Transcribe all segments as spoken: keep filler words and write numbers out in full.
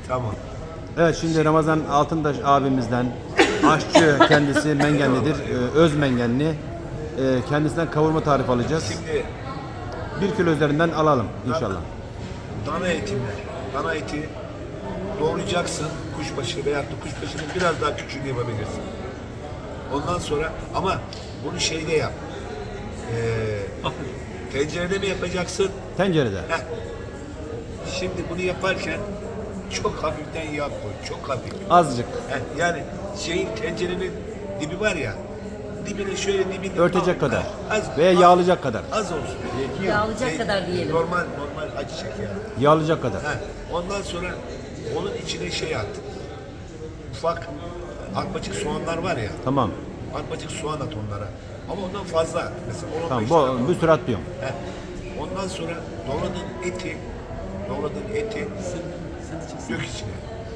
Tamam. Evet, şimdi Ramazan Altıntaş abimizden, aşçı kendisi Mengenlidir, e, öz Mengenli. E, kendisinden kavurma tarifi alacağız. Şimdi Bir kilo üzerinden alalım inşallah. dana etimle, dana eti doğrayacaksın kuşbaşı veya da kuşbaşının biraz daha küçüğünü yapabilirsin. Ondan sonra ama bunu şeyde yap. Ee, tencerede mi yapacaksın? Tencerede. Heh. Şimdi bunu yaparken çok hafiften yağ koy, çok hafif. Azıcık. Heh, yani şeyin tencerenin dibi var ya, dibine şöyle dibini Örtecek al- kadar. az, Veya az- yağlayacak kadar. Az olsun. Yağlayacak Şey, kadar diyelim. Normal normal ayçiçek yağı. Yağlayacak kadar. Heh, ondan sonra onun içine şey at. Ufak arpacık soğanlar var ya. Tamam. Arpacık soğan at onlara. Ama ondan fazla at. Mesela on on Tamam. beş Bu, tane. bir sürü atlıyorum. Heh. Ondan sonra doğradığın eti, doğradığın eti dök içine.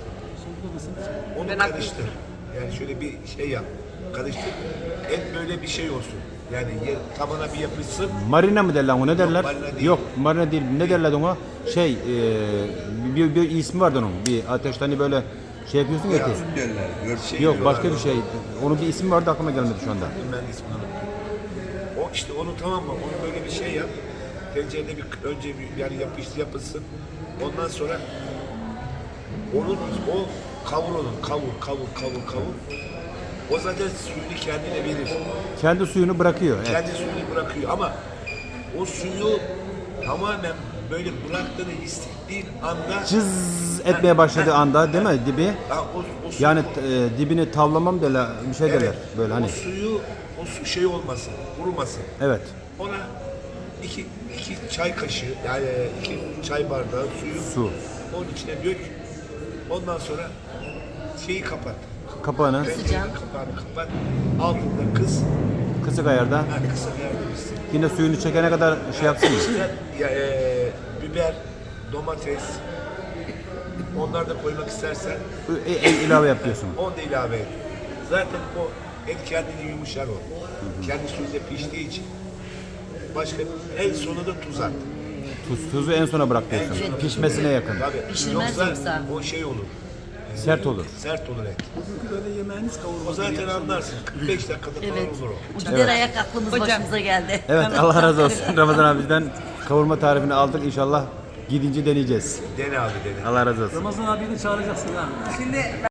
Onu Ben karıştır. Yani şöyle bir şey yap. Karıştır. Et böyle bir şey olsun. Yani yer, tabana bir yapışsın. Marina mı derler ona, ne derler? marina değil. Yok, marina değil. Ne derler ona? Şey, e, bir, bir ismi vardı onun. Bir ateşte hani böyle şey yapıyorsun ya eti. Şey Yok, diyorlar başka bir ona. şey. Onun bir ismi vardı, aklıma gelmedi şu anda. Ben ismini unuttum. O işte onu tamam mı? Onu böyle bir şey yap. Tencerede bir önce bir yani yapıştı yapılsın. Ondan sonra onun o kavur onu kavur kavur kavur kavur. O zaten suyunu kendine verir. Kendi suyunu bırakıyor. Evet. Kendi suyunu bırakıyor ama o suyu tamamen böyle bıraktığını hissettiğin anda Cız etmeye başladığı anda değil mi dibi? ha, o, o su- Yani e, dibini tavlamam derler, bir şey derler. Böyle hani. o suyu o su şey olmasın, kurumasın. Evet. Ona iki, iki çay kaşığı yani iki çay bardağı suyu Su. onun içine dök. Ondan sonra şeyi kapat. Kapağını Tencerenin kapağını kapat. Altında kız. kısık ayarda. Ha, kısa yerde pişsin. Yine suyunu çekene kadar şey yapsın mı? İşte ya, e, biber, domates onları da koymak istersen E, e, ilave yapıyorsun. onu da ilave et. Zaten o et kendini yumuşar o. Kendi suyunda piştiği için. Başka en sonunda tuz at. Tuz, tuzu en sona bırak diyorsun. En sona. Pişmesine yakın. Tabii. Pişirmez yoksa. o şey olur. Sert olur. Sert olur et. O zaten anlarsın. kırk beş dakikada falan Evet. olur o. Gider ayak aklımız başımıza geldi. Evet, Allah razı olsun. Ramazan abiden kavurma tarifini aldık. İnşallah gidince deneyeceğiz. Dene abi dene. Allah razı olsun. Ramazan abiyi de çağıracaksın ha. Şimdi